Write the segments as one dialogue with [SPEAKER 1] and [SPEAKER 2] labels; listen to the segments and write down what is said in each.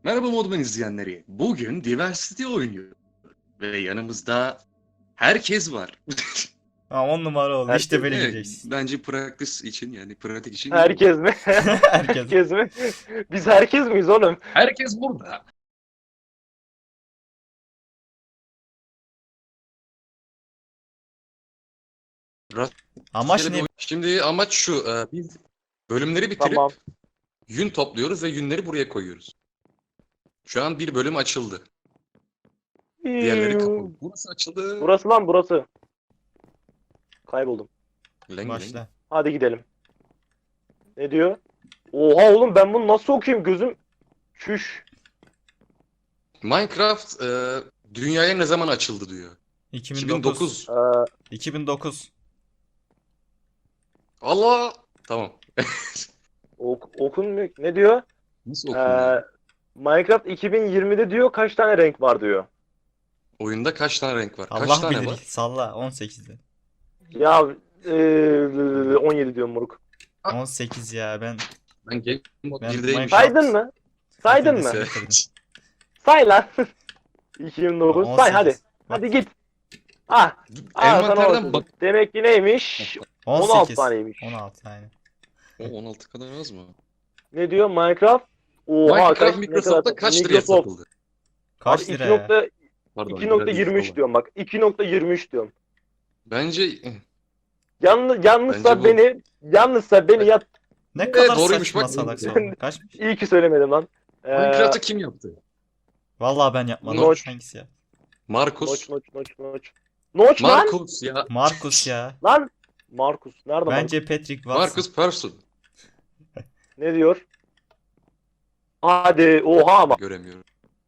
[SPEAKER 1] Merhaba Modman izleyenleri. Bugün Diversity oynuyor. Ve yanımızda herkes var.
[SPEAKER 2] Ha, 10 numara oldu.
[SPEAKER 3] Herkes
[SPEAKER 2] İşte böyle
[SPEAKER 1] Evet,
[SPEAKER 2] gireceksin.
[SPEAKER 1] bence practice için yani pratik için iyi oldu.
[SPEAKER 3] Herkes mi?
[SPEAKER 2] Herkes.
[SPEAKER 3] Herkes mi? Biz herkes miyiz oğlum?
[SPEAKER 1] Herkes burada.
[SPEAKER 2] Amaç
[SPEAKER 1] Rastgele bir
[SPEAKER 2] ne?
[SPEAKER 1] oyun. Şimdi amaç şu. Biz bölümleri bitirip
[SPEAKER 3] Tamam.
[SPEAKER 1] yün topluyoruz ve yünleri buraya koyuyoruz. Şu an bir bölüm açıldı. Diğerleri kapalı. Burası açıldı.
[SPEAKER 3] Burası lan burası. Kayboldum.
[SPEAKER 1] Leng leng.
[SPEAKER 2] Başla.
[SPEAKER 3] Hadi gidelim. Ne diyor? Oha oğlum ben bunu nasıl okuyayım gözüm? Şuş.
[SPEAKER 1] Minecraft dünyaya ne zaman açıldı diyor.
[SPEAKER 2] 2009.
[SPEAKER 1] 2009.
[SPEAKER 2] 2009.
[SPEAKER 1] Allah. Tamam.
[SPEAKER 3] Okunmuyor. Ne diyor?
[SPEAKER 1] Nasıl okunuyor?
[SPEAKER 3] Minecraft 2020'de diyor kaç tane renk var diyor.
[SPEAKER 1] Oyunda kaç tane renk var? Kaç
[SPEAKER 2] Allah
[SPEAKER 1] tane
[SPEAKER 2] bilir.
[SPEAKER 1] var?
[SPEAKER 2] Salla 18'de.
[SPEAKER 3] Ya 17 diyorum moruk.
[SPEAKER 2] 18 ya ben.
[SPEAKER 1] Ben Game Mode
[SPEAKER 2] Ben
[SPEAKER 1] 1'deyim.
[SPEAKER 2] Minecraft-
[SPEAKER 3] Saydın mı? Saydın mı?
[SPEAKER 2] Bitirdim, bitirdim.
[SPEAKER 3] Say lan. 2009. Say
[SPEAKER 2] 18.
[SPEAKER 3] hadi.
[SPEAKER 2] Bak,
[SPEAKER 3] Hadi git. Ah. Sana
[SPEAKER 1] Envanterden
[SPEAKER 3] bakıyorum.
[SPEAKER 1] bak.
[SPEAKER 3] Demek ki neymiş? 16
[SPEAKER 2] 18.
[SPEAKER 3] taneymiş.
[SPEAKER 2] 16 aynen.
[SPEAKER 1] O 16 kadar az mı?
[SPEAKER 3] Ne diyor Minecraft? Oha
[SPEAKER 1] Minecraft
[SPEAKER 3] kaç, ne
[SPEAKER 1] Microsoft'ta
[SPEAKER 3] kadar-
[SPEAKER 1] kaç liraya
[SPEAKER 3] Microsoft.
[SPEAKER 1] satıldı?
[SPEAKER 2] Kaç
[SPEAKER 3] Abi
[SPEAKER 2] lira ya?
[SPEAKER 1] Pardon.
[SPEAKER 3] 2.23 diyorum bak. 2.23 diyorum.
[SPEAKER 1] Bence
[SPEAKER 3] Yanlışsa
[SPEAKER 1] Bence
[SPEAKER 3] beni yat.
[SPEAKER 2] Ne
[SPEAKER 1] Evet,
[SPEAKER 2] kadar
[SPEAKER 1] doğruymuş,
[SPEAKER 2] saçma
[SPEAKER 1] bak.
[SPEAKER 2] salak soru. Kaçmış?
[SPEAKER 3] İyi ki söylemedim lan.
[SPEAKER 1] Minecraft'ı kim yaptı?
[SPEAKER 2] Vallahi ben yapmadım.
[SPEAKER 3] Notch.
[SPEAKER 2] Hangisi ya?
[SPEAKER 1] Markus.
[SPEAKER 3] Noç. Noç lan.
[SPEAKER 1] Markus ya.
[SPEAKER 2] Markus ya.
[SPEAKER 3] Lan. Markus. Nerede Markus?
[SPEAKER 2] Bence Patrick Watson.
[SPEAKER 1] Markus Person.
[SPEAKER 3] Ne diyor? Hadi oha ama.
[SPEAKER 1] Göremiyorum.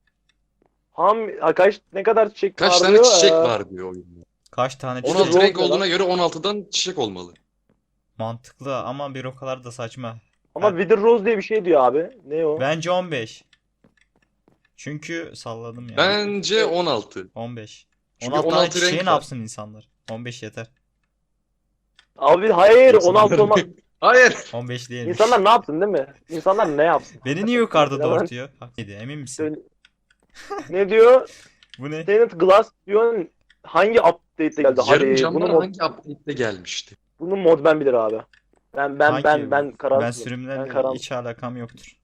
[SPEAKER 3] Kaç ne kadar çiçek
[SPEAKER 1] Kaç
[SPEAKER 3] var
[SPEAKER 1] tane
[SPEAKER 3] diyor.
[SPEAKER 1] çiçek var diyor oyunda.
[SPEAKER 2] Kaç tane
[SPEAKER 1] 16
[SPEAKER 2] çiçek?
[SPEAKER 1] renk
[SPEAKER 3] Rose
[SPEAKER 1] olduğuna
[SPEAKER 3] lan.
[SPEAKER 1] göre 16'dan çiçek olmalı.
[SPEAKER 2] Mantıklı ama bir o kadar da saçma.
[SPEAKER 3] Ama Wither Rose diye bir şey diyor abi. Ne o?
[SPEAKER 2] Bence 15. Çünkü salladım ya.
[SPEAKER 1] Bence 16.
[SPEAKER 2] 15.
[SPEAKER 1] Çünkü
[SPEAKER 2] 16 tane
[SPEAKER 1] 16
[SPEAKER 2] çiçeği
[SPEAKER 1] renk
[SPEAKER 2] ne
[SPEAKER 1] var.
[SPEAKER 2] yapsın insanlar? 15 yeter.
[SPEAKER 3] Abi hayır 16 olmaz.
[SPEAKER 1] Hayır.
[SPEAKER 2] 15 değil.
[SPEAKER 3] İnsanlar ne yapsın değil mi? İnsanlar ne yapsın?
[SPEAKER 2] Beni niye yukarıda
[SPEAKER 3] Yalan.
[SPEAKER 2] doğurtuyor? Haklıydı, emin misin?
[SPEAKER 3] Söyle- Ne diyor?
[SPEAKER 2] Bu ne?
[SPEAKER 3] Tenant Glass diyor hangi update'te geldi?
[SPEAKER 1] Yarım
[SPEAKER 3] Hadi
[SPEAKER 1] camlar
[SPEAKER 3] bunu
[SPEAKER 1] hangi update'de gelmişti?
[SPEAKER 3] mod ben bilir abi. Ben
[SPEAKER 2] Hangi?
[SPEAKER 3] ben kararsızım.
[SPEAKER 2] Ben sürümlerle
[SPEAKER 3] karar-
[SPEAKER 2] hiç alakam yoktur.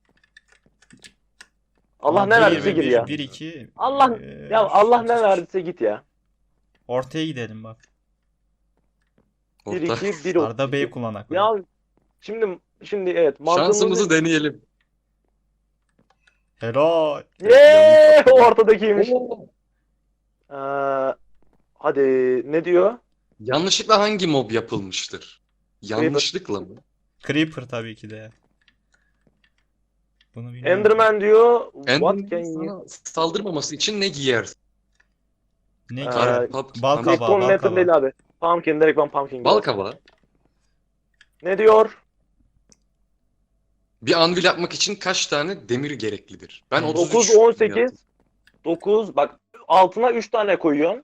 [SPEAKER 3] Allah ne verdiyse gir ya.
[SPEAKER 2] 1 2
[SPEAKER 3] Allah ya Allah ne verdiyse git ya.
[SPEAKER 2] Ortaya gidelim bak.
[SPEAKER 3] 1
[SPEAKER 1] Orta.
[SPEAKER 3] 2 1
[SPEAKER 2] Arda Bey kullanak.
[SPEAKER 3] Ya şimdi evet
[SPEAKER 1] Şansımızı deneyelim.
[SPEAKER 2] Helal.
[SPEAKER 3] Yeee ortadakiymiş.
[SPEAKER 1] Oo.
[SPEAKER 3] Hadi ne diyor?
[SPEAKER 1] Yanlışlıkla hangi mob yapılmıştır? Yanlışlıkla mı?
[SPEAKER 2] Creeper tabii ki de. Bunu bilmiyorum.
[SPEAKER 3] Enderman diyor. What
[SPEAKER 1] Enderman'in
[SPEAKER 3] can you?
[SPEAKER 1] sana saldırmaması için ne giyersin?
[SPEAKER 2] Ne
[SPEAKER 3] Ee,
[SPEAKER 2] ki? Bal kabağı,
[SPEAKER 3] Stone
[SPEAKER 2] bal
[SPEAKER 3] Metal
[SPEAKER 2] kabağı.
[SPEAKER 3] değil abi. Pumpkin direkt ben pumpkin.
[SPEAKER 1] Bal
[SPEAKER 3] diyorum.
[SPEAKER 1] kabağı.
[SPEAKER 3] Ne diyor?
[SPEAKER 1] Bir anvil yapmak için kaç tane demir gereklidir? Ben 33
[SPEAKER 3] 9 18 9 bak altına 3 tane koyuyorsun.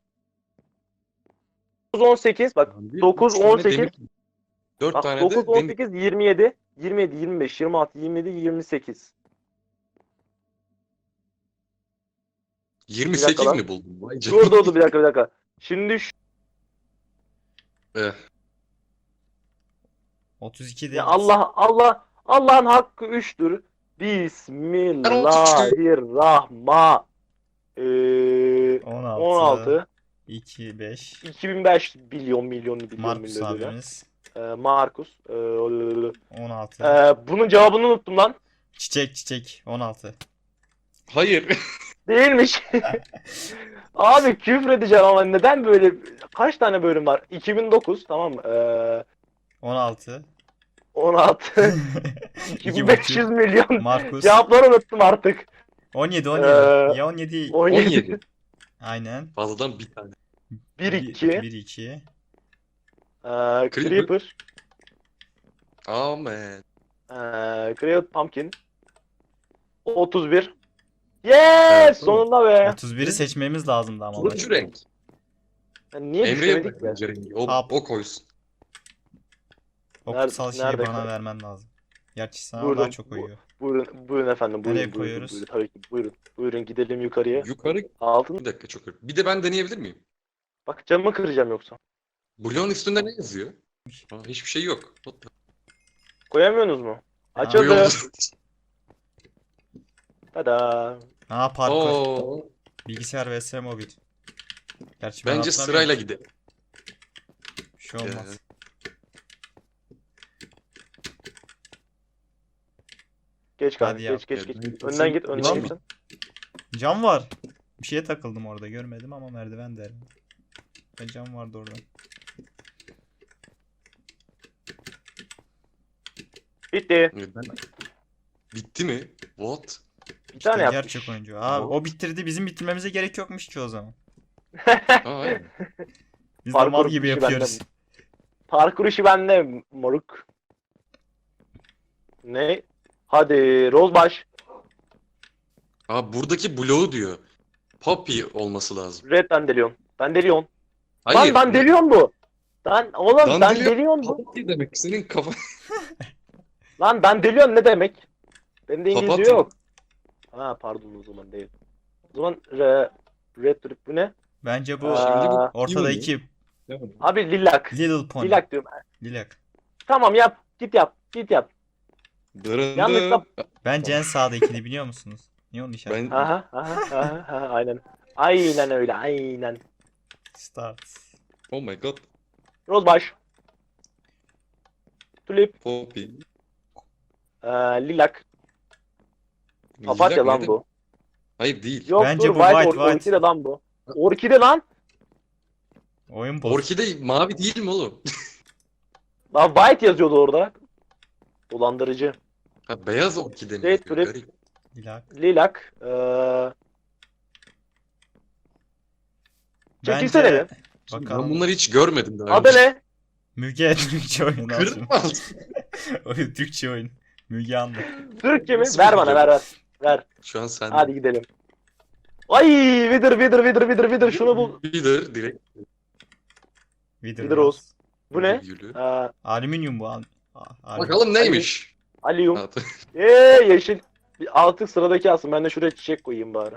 [SPEAKER 3] 9 18 bak 9 18
[SPEAKER 1] 4
[SPEAKER 3] bak
[SPEAKER 1] tane
[SPEAKER 3] 9
[SPEAKER 1] de demir.
[SPEAKER 3] 18 27 27 25 26 27 28.
[SPEAKER 1] 28
[SPEAKER 3] lan.
[SPEAKER 1] mi buldun? Vay canına.
[SPEAKER 3] Dur bir dakika. Şimdi
[SPEAKER 2] 32 değil.
[SPEAKER 3] ya Allah'ın hakkı 3'tür. Bismillahirrahmanirrahim.
[SPEAKER 2] 16.
[SPEAKER 3] 16
[SPEAKER 2] 2 5.
[SPEAKER 3] 2005 milyon
[SPEAKER 2] Markus
[SPEAKER 3] öyle.
[SPEAKER 2] abimiz.
[SPEAKER 3] Markus.
[SPEAKER 2] 16.
[SPEAKER 3] Bunun cevabını unuttum lan.
[SPEAKER 2] Çiçek 16.
[SPEAKER 1] Hayır.
[SPEAKER 3] Değilmiş. Abi küfür edeceğim ama neden böyle kaç tane bölüm var? 2009 tamam mı?
[SPEAKER 2] 16.
[SPEAKER 3] 16 2500 milyon.
[SPEAKER 2] Markus.
[SPEAKER 3] Cevapları unuttum artık.
[SPEAKER 2] 17
[SPEAKER 3] Ee,
[SPEAKER 2] Ya 17.
[SPEAKER 1] 17.
[SPEAKER 2] Aynen.
[SPEAKER 1] Fazladan bir tane.
[SPEAKER 3] 1-2
[SPEAKER 2] 1 2.
[SPEAKER 3] Creeper
[SPEAKER 1] Amen.
[SPEAKER 3] Create Pumpkin 31 Yes!
[SPEAKER 1] Evet,
[SPEAKER 3] Sonunda be.
[SPEAKER 2] 31'i seçmemiz lazımdı ama.
[SPEAKER 1] Turuncu renk.
[SPEAKER 3] Niye
[SPEAKER 1] Emre'ye
[SPEAKER 3] düşemedik be?
[SPEAKER 1] bırak rengi. O,
[SPEAKER 2] Hap.
[SPEAKER 1] o koysun.
[SPEAKER 2] O
[SPEAKER 3] Nerede-
[SPEAKER 2] kutsal şeyi
[SPEAKER 3] nerede
[SPEAKER 2] bana
[SPEAKER 3] kaldı?
[SPEAKER 2] vermen lazım. Gerçi sana
[SPEAKER 3] Burada.
[SPEAKER 2] daha çok uyuyor.
[SPEAKER 3] Buyurun, buyurun efendim. Buyurun,
[SPEAKER 2] Nereye
[SPEAKER 3] buyurun,
[SPEAKER 2] koyuyoruz?
[SPEAKER 3] buyurun. Tabii ki buyurun. Buyurun gidelim yukarıya.
[SPEAKER 1] Yukarı.
[SPEAKER 3] Altın.
[SPEAKER 1] Bir dakika çok önemli. Bir de ben deneyebilir miyim?
[SPEAKER 3] Bak camı kıracağım yoksa.
[SPEAKER 1] Bloğun üstünde ne yazıyor? Hiçbir şey yok.
[SPEAKER 3] Koyamıyorsunuz mu?
[SPEAKER 2] Aa.
[SPEAKER 3] Açıldı.
[SPEAKER 1] Yolda.
[SPEAKER 3] Tada.
[SPEAKER 2] Aa, parkur.
[SPEAKER 1] Oo.
[SPEAKER 2] Bilgisayar vs mobil. Gerçi ben
[SPEAKER 1] Bence
[SPEAKER 2] atlamıyorum
[SPEAKER 1] sırayla
[SPEAKER 2] ki.
[SPEAKER 1] gidelim.
[SPEAKER 2] Bir şey olmaz.
[SPEAKER 3] Geç kanka.
[SPEAKER 2] Hadi yap.
[SPEAKER 3] Geç.
[SPEAKER 1] Evet.
[SPEAKER 3] Önden git. Önden
[SPEAKER 2] Tamam
[SPEAKER 3] git
[SPEAKER 2] mı?
[SPEAKER 3] sen.
[SPEAKER 2] Cam var. Bir şeye takıldım orada, görmedim ama merdiven derim. Ve cam vardı orada.
[SPEAKER 3] Bitti.
[SPEAKER 1] Evet, bitti mi? What?
[SPEAKER 3] Bir
[SPEAKER 2] İşte
[SPEAKER 3] tane yapmış.
[SPEAKER 2] gerçek oyuncu. Abi o bitirdi. Bizim bitirmemize gerek yokmuş ki o zaman.
[SPEAKER 1] Aa, aynen.
[SPEAKER 2] Biz de
[SPEAKER 3] Parkur
[SPEAKER 2] mal gibi
[SPEAKER 3] işi
[SPEAKER 2] yapıyoruz.
[SPEAKER 3] bende. Parkur işi bende moruk. Ne? Hadi Rozbaş.
[SPEAKER 1] Aa, buradaki bloğu diyor. Poppy olması lazım.
[SPEAKER 3] Red Dandelion. Dandelion.
[SPEAKER 1] Hayır.
[SPEAKER 3] Lan Dandelion bu. Oğlum
[SPEAKER 1] Dandelion-
[SPEAKER 3] Dandelion bu.
[SPEAKER 1] Poppy demek senin kafa.
[SPEAKER 3] Lan Dandelion ne demek? Bende İngilizce
[SPEAKER 1] Papatya.
[SPEAKER 3] yok. Ha pardon o zaman değil. O zaman Red Drip bu ne?
[SPEAKER 2] Bence bu
[SPEAKER 3] Şimdi bu
[SPEAKER 2] ortadaki
[SPEAKER 3] Abi Lilac.
[SPEAKER 2] Little Pony.
[SPEAKER 3] Lilac diyorum.
[SPEAKER 2] Lilac.
[SPEAKER 3] Tamam yap. Git yap. Git yap.
[SPEAKER 1] Dırındı.
[SPEAKER 3] Yanlışla-
[SPEAKER 2] Bence en sağdakini biliyor musunuz? Niye onu işaret?
[SPEAKER 1] Ben
[SPEAKER 3] Aha, aynen. Aynen öyle aynen.
[SPEAKER 2] Start.
[SPEAKER 1] oh my god.
[SPEAKER 3] Rozbaş. Tulip.
[SPEAKER 1] Poppy.
[SPEAKER 3] Lilac. Papatya
[SPEAKER 1] Lilac
[SPEAKER 3] lan
[SPEAKER 1] ne
[SPEAKER 3] bu.
[SPEAKER 1] demek? Hayır değil.
[SPEAKER 3] Yok
[SPEAKER 2] Bence
[SPEAKER 3] dur
[SPEAKER 2] bu white.
[SPEAKER 3] orkide lan bu. Orkide lan.
[SPEAKER 2] Oyun boz.
[SPEAKER 1] Orkide mavi değil mi oğlum?
[SPEAKER 3] Lan white yazıyordu orada. Dolandırıcı.
[SPEAKER 1] Ha, beyaz orkide mi?
[SPEAKER 3] Red
[SPEAKER 1] yazıyor?
[SPEAKER 3] Drip.
[SPEAKER 1] Garip.
[SPEAKER 2] Lilac.
[SPEAKER 3] Lilac. Çekilsene
[SPEAKER 2] Bence
[SPEAKER 3] mi?
[SPEAKER 1] Ben
[SPEAKER 2] bakalım.
[SPEAKER 1] bunları hiç görmedim daha
[SPEAKER 3] Adı
[SPEAKER 1] önce.
[SPEAKER 3] ne?
[SPEAKER 2] Müge Türkçe oyun.
[SPEAKER 1] Kırma.
[SPEAKER 2] Oyun Türkçe oyun. Müge Anlı.
[SPEAKER 3] Türkçe mi?
[SPEAKER 1] Nasıl
[SPEAKER 3] Ver bana
[SPEAKER 1] biliyorum?
[SPEAKER 3] ver.
[SPEAKER 1] Şu an sen.
[SPEAKER 3] Hadi gidelim. Ay Wither şunu bul.
[SPEAKER 1] Bilir direkt.
[SPEAKER 2] Wither
[SPEAKER 3] Rose.
[SPEAKER 2] Rose.
[SPEAKER 3] Bu ne?
[SPEAKER 1] Gülü.
[SPEAKER 2] Alüminyum bu.
[SPEAKER 1] Bakalım neymiş?
[SPEAKER 3] Aliyum.
[SPEAKER 1] Ha,
[SPEAKER 3] Yeşil. Bir artık sıradaki alsın. Ben de şuraya çiçek koyayım bari.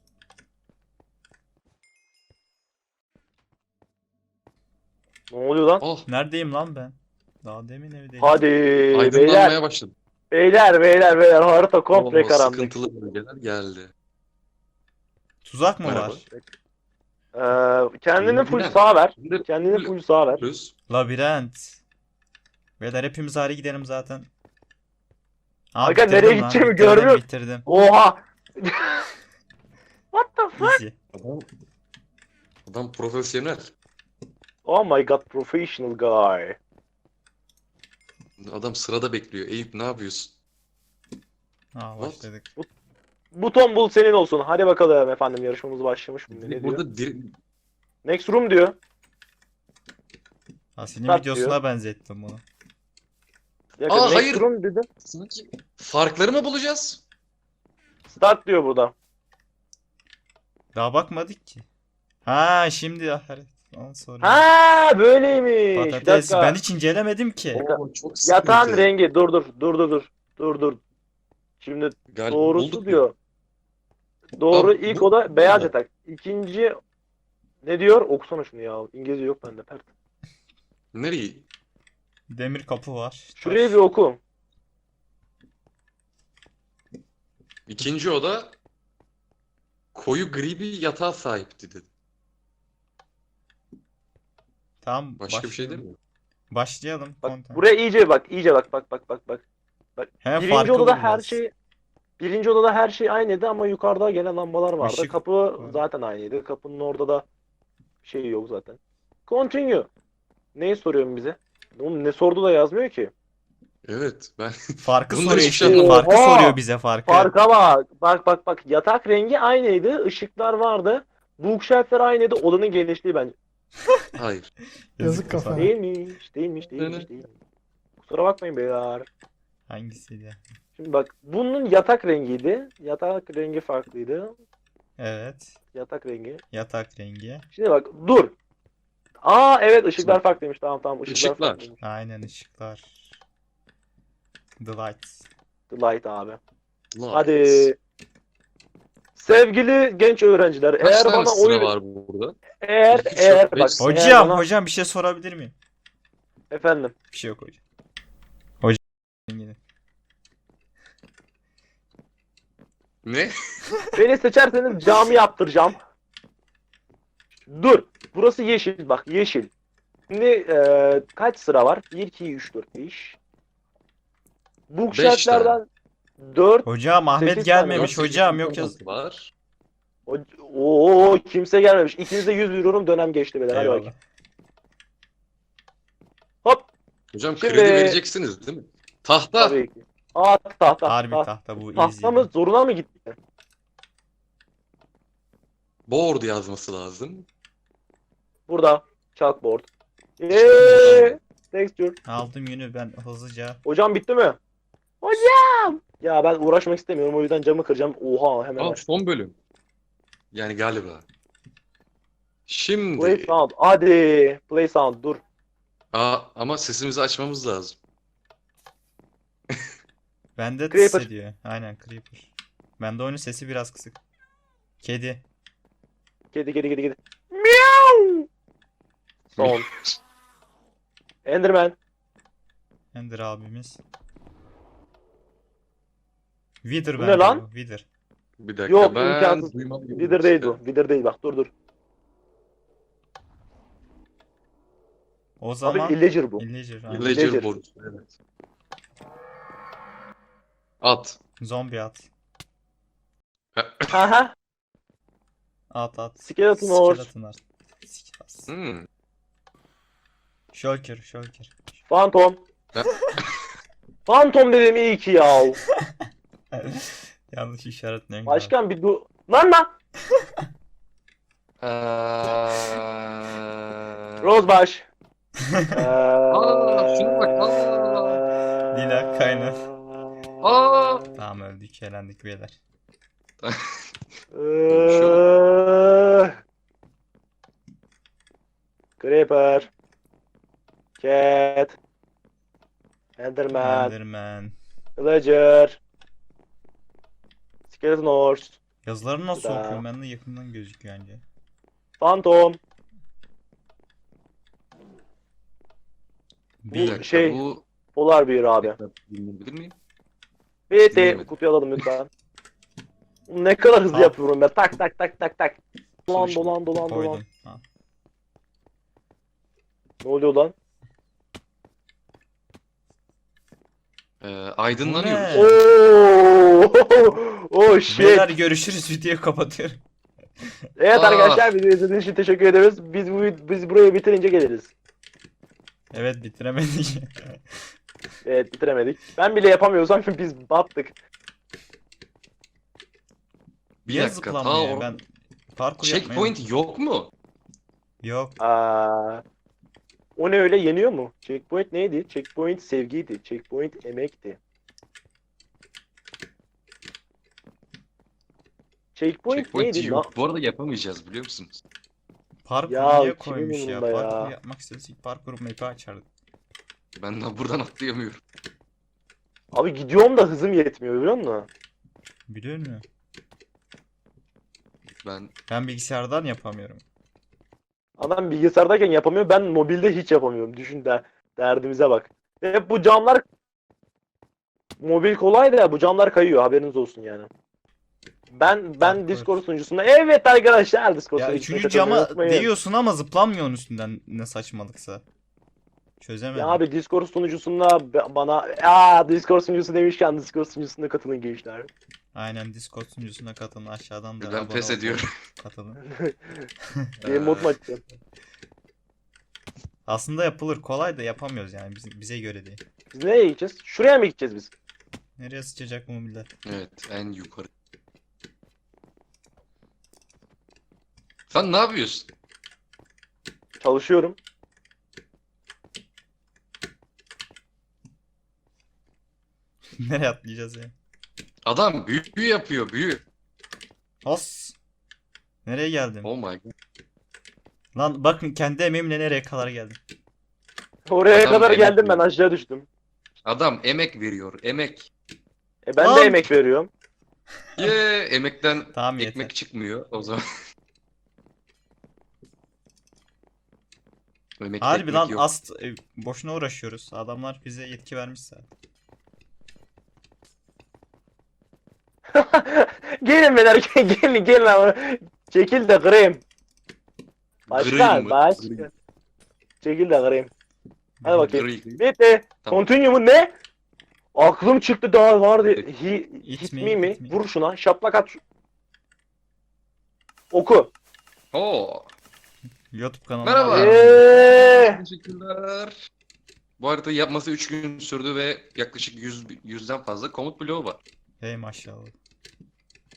[SPEAKER 3] Ne oluyor lan?
[SPEAKER 1] Oh,
[SPEAKER 2] Neredeyim lan ben? Daha demin evdeyim.
[SPEAKER 3] Hadi beyler.
[SPEAKER 1] aydınlanmaya başladı.
[SPEAKER 3] Beyler. Harita komple
[SPEAKER 1] Oo,
[SPEAKER 3] karanlık.
[SPEAKER 1] sıkıntılı bölgeler geldi.
[SPEAKER 2] Tuzak mı
[SPEAKER 1] Merhaba.
[SPEAKER 2] var?
[SPEAKER 3] Kendini full
[SPEAKER 1] Bilmem.
[SPEAKER 3] sağa ver.
[SPEAKER 1] Şimdi
[SPEAKER 3] Kendini full sağa ver.
[SPEAKER 1] Düz.
[SPEAKER 2] Labirent. Beyler hepimiz ayrı gidelim zaten.
[SPEAKER 3] Aga,
[SPEAKER 2] bitirdim
[SPEAKER 3] nereye
[SPEAKER 2] lan,
[SPEAKER 3] gideceğimi
[SPEAKER 2] bitirdim,
[SPEAKER 3] görmüyorum.
[SPEAKER 2] Bitirdim.
[SPEAKER 3] Oha. What the fuck?
[SPEAKER 2] Easy.
[SPEAKER 1] Adam profesyonel.
[SPEAKER 3] Oh my god, professional guy.
[SPEAKER 1] Adam sırada bekliyor. Eyüp ne yapıyorsun?
[SPEAKER 2] Ha, başladık.
[SPEAKER 3] Buton bul senin olsun. Hadi bakalım efendim, yarışmamız başlamış mı? Ne diyor?
[SPEAKER 1] Burada
[SPEAKER 3] Next room diyor.
[SPEAKER 2] Asil'in
[SPEAKER 3] Start
[SPEAKER 2] videosuna
[SPEAKER 3] diyor.
[SPEAKER 2] benzettim bunu.
[SPEAKER 3] Yakın,
[SPEAKER 1] Aa,
[SPEAKER 3] next
[SPEAKER 1] hayır.
[SPEAKER 3] room dedi.
[SPEAKER 1] sanki farkları mı bulacağız?
[SPEAKER 3] Start diyor burada.
[SPEAKER 2] Daha bakmadık ki. Ha şimdi Ondan sonra.
[SPEAKER 3] Ha böyleymiş. Bir
[SPEAKER 2] Patates.
[SPEAKER 3] dakika.
[SPEAKER 2] Ben hiç incelemedim ki.
[SPEAKER 1] Oo, çok
[SPEAKER 3] Yatağın
[SPEAKER 1] sıkıntı.
[SPEAKER 3] rengi. Dur. Şimdi
[SPEAKER 1] Galiba
[SPEAKER 3] doğrusu
[SPEAKER 1] bulduk
[SPEAKER 3] diyor. Doğru,
[SPEAKER 1] Abi,
[SPEAKER 3] ilk
[SPEAKER 1] bu-
[SPEAKER 3] oda beyaz
[SPEAKER 1] bu-
[SPEAKER 3] yatak. İkinci ne diyor? Okusana şunu ya. İngilizce yok bende. Pert.
[SPEAKER 1] Nereye?
[SPEAKER 2] Demir kapı var.
[SPEAKER 3] Şurayı bir oku.
[SPEAKER 1] İkinci oda koyu gri bir yatağa sahipti dedi.
[SPEAKER 2] Tamam.
[SPEAKER 1] Başka bir şey değil
[SPEAKER 2] başlayalım.
[SPEAKER 1] mi?
[SPEAKER 2] Başlayalım.
[SPEAKER 3] Bak
[SPEAKER 2] Content.
[SPEAKER 3] buraya iyice bak. Bak.
[SPEAKER 2] He,
[SPEAKER 3] Birinci
[SPEAKER 2] farkı
[SPEAKER 3] odada her
[SPEAKER 2] bulacağız.
[SPEAKER 3] şey aynıydı ama yukarıda gene lambalar vardı.
[SPEAKER 2] Işık
[SPEAKER 3] Kapı
[SPEAKER 2] var.
[SPEAKER 3] zaten aynıydı. Kapının orada da şey yok zaten. Continue. Neyi soruyorsun bize? Oğlum ne sordu da yazmıyor ki.
[SPEAKER 1] Evet ben
[SPEAKER 2] Farkı
[SPEAKER 1] Bunlar
[SPEAKER 2] soruyor
[SPEAKER 1] hiçbir şey
[SPEAKER 2] işte.
[SPEAKER 3] anlamadım.
[SPEAKER 2] Farkı
[SPEAKER 3] Oha!
[SPEAKER 2] soruyor bize farkı.
[SPEAKER 3] Farka bak. Yatak rengi aynıydı. Işıklar vardı. Bookshelf'ler aynıydı. Odanın genişliği bence.
[SPEAKER 1] hayır.
[SPEAKER 4] Yazık kafa.
[SPEAKER 3] Değilmiş. Kusura bakmayın beyler.
[SPEAKER 2] Hangisiydi?
[SPEAKER 3] Şimdi bak bunun yatak rengiydi. Yatak rengi farklıydı.
[SPEAKER 2] Evet.
[SPEAKER 3] Yatak rengi.
[SPEAKER 2] Yatak rengi.
[SPEAKER 3] Şimdi bak dur. Aa evet ışıklar farklıymış. Tamam ışıklar
[SPEAKER 1] Işıklar.
[SPEAKER 3] farklıymış.
[SPEAKER 2] Aynen ışıklar. The lights.
[SPEAKER 3] Light abi.
[SPEAKER 1] Light.
[SPEAKER 3] Hadi. Sevgili genç öğrenciler,
[SPEAKER 1] Kaç
[SPEAKER 3] eğer
[SPEAKER 1] tane
[SPEAKER 3] bana
[SPEAKER 1] sıra
[SPEAKER 3] oyun
[SPEAKER 1] var burada?
[SPEAKER 3] eğer
[SPEAKER 1] İki, üç,
[SPEAKER 3] eğer
[SPEAKER 1] dört,
[SPEAKER 3] bak
[SPEAKER 1] beş.
[SPEAKER 3] eğer
[SPEAKER 2] Hocam,
[SPEAKER 3] bana
[SPEAKER 2] hocam bir şey sorabilir miyim?
[SPEAKER 3] efendim
[SPEAKER 2] Bir şey yok hocam. Hocam yine.
[SPEAKER 1] Ne?
[SPEAKER 3] beni seçerseniz cami yaptıracağım. Dur. Burası yeşil bak yeşil. Şimdi kaç sıra var? 1 2 3 4 5. Bookshelf'lerden 4
[SPEAKER 2] Hocam Ahmet
[SPEAKER 3] 8 tane var.
[SPEAKER 2] gelmemiş hocam, yok yaz.
[SPEAKER 1] Var.
[SPEAKER 3] Oo kimse gelmemiş. İkinize 100 veriyorum dönem geçti beyler. Hadi
[SPEAKER 2] Eyvallah.
[SPEAKER 3] bakayım. Hop.
[SPEAKER 1] Hocam
[SPEAKER 3] Şimdi-
[SPEAKER 1] kredi vereceksiniz değil mi? Tahta.
[SPEAKER 3] Tabii ki. Aa tahta.
[SPEAKER 2] Harbi tahta bu easy.
[SPEAKER 3] Tahta mı zoruna mı gitti?
[SPEAKER 1] Board yazması lazım.
[SPEAKER 3] Burada. Chalkboard. Eee. Texture.
[SPEAKER 2] Aldım yünü ben hızlıca.
[SPEAKER 3] Hocam bitti mi? Hocam. Ya ben uğraşmak istemiyorum o yüzden camı kıracağım. Oha hemen
[SPEAKER 1] Aa,
[SPEAKER 3] aç.
[SPEAKER 1] son bölüm. Yani galiba.
[SPEAKER 3] Play
[SPEAKER 1] Şimdi.
[SPEAKER 3] sound. Hadi. Play sound dur.
[SPEAKER 1] Ama sesimizi açmamız lazım.
[SPEAKER 2] Bende
[SPEAKER 3] Creeper.
[SPEAKER 2] tıs ediyor. Aynen Creeper. Bende oyunun sesi biraz kısık. Kedi.
[SPEAKER 3] Kedi. Meow. Son. Enderman.
[SPEAKER 2] Ender abimiz. Wither
[SPEAKER 3] Bu ne
[SPEAKER 2] bende
[SPEAKER 3] lan?
[SPEAKER 2] bu. Wither.
[SPEAKER 1] Bir dakika
[SPEAKER 3] Yok,
[SPEAKER 1] ben
[SPEAKER 3] imkansız.
[SPEAKER 1] duymalı gibi
[SPEAKER 3] Wither değil
[SPEAKER 1] işte.
[SPEAKER 3] bu. Wither değil bak dur.
[SPEAKER 2] O
[SPEAKER 3] Abi
[SPEAKER 2] zaman
[SPEAKER 3] Illager bu.
[SPEAKER 2] Illager. aynen.
[SPEAKER 1] Villager
[SPEAKER 3] Villager.
[SPEAKER 1] board. Evet. At.
[SPEAKER 2] Zombi at.
[SPEAKER 3] Aha.
[SPEAKER 2] At.
[SPEAKER 3] Skeleton horse.
[SPEAKER 2] Skeleton at. Sikas.
[SPEAKER 1] Hmm.
[SPEAKER 2] Shulker.
[SPEAKER 3] Phantom.
[SPEAKER 1] Ha?
[SPEAKER 3] Phantom dedim iyi ki ya.
[SPEAKER 2] Yanlış işaretliyorum.
[SPEAKER 3] Başkan bir dur. Lan. Rosebaş.
[SPEAKER 1] Aa, şuna bak,
[SPEAKER 2] Lila kaynar.
[SPEAKER 1] Aa!
[SPEAKER 2] Tamam öldük, eğlendik beyler.
[SPEAKER 3] Creeper. Cat. Enderman.
[SPEAKER 2] Enderman.
[SPEAKER 3] Villager. Skeleton horse.
[SPEAKER 2] Yazıları nasıl
[SPEAKER 3] Da.
[SPEAKER 2] okuyorum? Bende yakından gözüküyor anca.
[SPEAKER 3] Phantom.
[SPEAKER 1] Bir
[SPEAKER 3] Bu
[SPEAKER 1] dakika
[SPEAKER 3] şey-
[SPEAKER 1] bu
[SPEAKER 3] Polar Bear abi.
[SPEAKER 1] dinleyebilir miyim?
[SPEAKER 3] Bir
[SPEAKER 1] Dinleyemedim.
[SPEAKER 3] kutuyu alalım lütfen. Ne kadar hızlı
[SPEAKER 2] Al.
[SPEAKER 3] yapıyorum ben. Tak.
[SPEAKER 1] Sonuç mu?
[SPEAKER 3] Dolan.
[SPEAKER 2] Koydum. Ha.
[SPEAKER 3] Ne oluyor lan?
[SPEAKER 1] Aydınlanıyoruz.
[SPEAKER 2] Bu ne?
[SPEAKER 3] Oo! Oh shit.
[SPEAKER 2] Beyler görüşürüz, videoyu kapatıyorum.
[SPEAKER 3] Evet
[SPEAKER 1] Aa.
[SPEAKER 3] arkadaşlar bizi izlediğiniz için teşekkür ederiz. Biz burayı bitirince geliriz.
[SPEAKER 2] Evet bitiremedik.
[SPEAKER 3] Evet bitiremedik. Ben bile yapamıyorsam biz battık.
[SPEAKER 1] Bir
[SPEAKER 2] Niye
[SPEAKER 1] dakika.
[SPEAKER 2] zıplanmıyor? Ben parkur yapmayı
[SPEAKER 1] Checkpoint yok mu?
[SPEAKER 2] Yok.
[SPEAKER 3] O ne öyle yeniyor mu? Checkpoint neydi? Checkpoint sevgiydi. Checkpoint emekti. Checkpoint
[SPEAKER 1] Checkpoint
[SPEAKER 3] neydi?
[SPEAKER 1] yok. Bu arada yapamayacağız biliyor musunuz?
[SPEAKER 2] Parkur
[SPEAKER 3] Ya,
[SPEAKER 2] niye
[SPEAKER 3] kimin
[SPEAKER 2] koymuş ya?
[SPEAKER 3] umurunda ya?
[SPEAKER 2] Parkur yapmak istesek parkur map'i açardık.
[SPEAKER 1] Ben de buradan atlayamıyorum.
[SPEAKER 3] Abi gidiyorum da hızım yetmiyor biliyor musun?
[SPEAKER 2] Biliyor musun?
[SPEAKER 1] Ben
[SPEAKER 2] Ben bilgisayardan yapamıyorum.
[SPEAKER 3] Adam bilgisayardayken yapamıyor. Ben mobilde hiç yapamıyorum. Düşün de derdimize bak. Ve bu camlar mobil kolay da bu camlar kayıyor. Haberiniz olsun yani. Ben
[SPEAKER 2] Parkur.
[SPEAKER 3] Discord sunucusunda evet arkadaşlar Discord
[SPEAKER 2] Ya
[SPEAKER 3] sunucusuna
[SPEAKER 2] üçüncü
[SPEAKER 3] katılmayı
[SPEAKER 2] cama
[SPEAKER 3] unutmayın.
[SPEAKER 2] değiyorsun ama zıplanmıyorsun üstünden, ne saçmalıksa. Çözemedim.
[SPEAKER 3] Ya abi Discord sunucusunda bana Discord sunucusu demişken Discord sunucusuna katılın gençler.
[SPEAKER 2] Aynen Discord sunucusuna katılın, aşağıdan da
[SPEAKER 1] ben
[SPEAKER 2] abone
[SPEAKER 1] pes
[SPEAKER 2] olun.
[SPEAKER 1] ediyorum.
[SPEAKER 2] Katılın.
[SPEAKER 3] Game mod mu açacağım?
[SPEAKER 2] Aslında yapılır, kolay da yapamıyoruz yani bize göre değil.
[SPEAKER 3] Biz nereye gideceğiz? Şuraya mı gideceğiz biz?
[SPEAKER 2] Nereye sıçacak bu millet?
[SPEAKER 1] Evet, en yukarı. Sen ne yapıyorsun?
[SPEAKER 3] Çalışıyorum.
[SPEAKER 2] Nereye atlayacağız ya?
[SPEAKER 1] Adam büyü yapıyor, büyü.
[SPEAKER 2] Os. Nereye geldin?
[SPEAKER 1] Oh my god.
[SPEAKER 2] Lan bakın kendi emeğimle nereye kadar geldim.
[SPEAKER 3] Oraya
[SPEAKER 1] Adam
[SPEAKER 3] kadar
[SPEAKER 1] emek
[SPEAKER 3] geldim ben
[SPEAKER 1] veriyor.
[SPEAKER 3] aşağı düştüm.
[SPEAKER 1] Adam emek veriyor, emek.
[SPEAKER 3] Ben
[SPEAKER 2] Lan!
[SPEAKER 3] de emek veriyorum.
[SPEAKER 1] Emekten
[SPEAKER 2] Tamam yeter.
[SPEAKER 1] ekmek çıkmıyor o zaman. Emekte
[SPEAKER 2] Harbi
[SPEAKER 1] ekmek
[SPEAKER 2] lan
[SPEAKER 1] yok.
[SPEAKER 2] boşuna uğraşıyoruz. Adamlar bize yetki vermiş zaten.
[SPEAKER 3] Gelin beyler gelin ama. Çekil de kırayım.
[SPEAKER 1] Green
[SPEAKER 3] Başkan
[SPEAKER 1] mı?
[SPEAKER 3] başkan. Çekil de kırayım. Hadi bakayım.
[SPEAKER 1] Green.
[SPEAKER 3] Bitti.
[SPEAKER 1] Tamam.
[SPEAKER 3] Continue mu ne? Aklım çıktı daha vardı.
[SPEAKER 1] Hadi.
[SPEAKER 3] Hit
[SPEAKER 2] me,
[SPEAKER 3] me mi?
[SPEAKER 2] hit me.
[SPEAKER 3] Vur şuna. Şaplak at. Oku.
[SPEAKER 1] Oo.
[SPEAKER 2] YouTube kanalıma
[SPEAKER 1] Merhaba.
[SPEAKER 2] abone olun.
[SPEAKER 1] Teşekkürler. Bu haritayı yapması 3 gün sürdü ve yaklaşık 100'den fazla komut bloğu var.
[SPEAKER 2] Hey maşallah.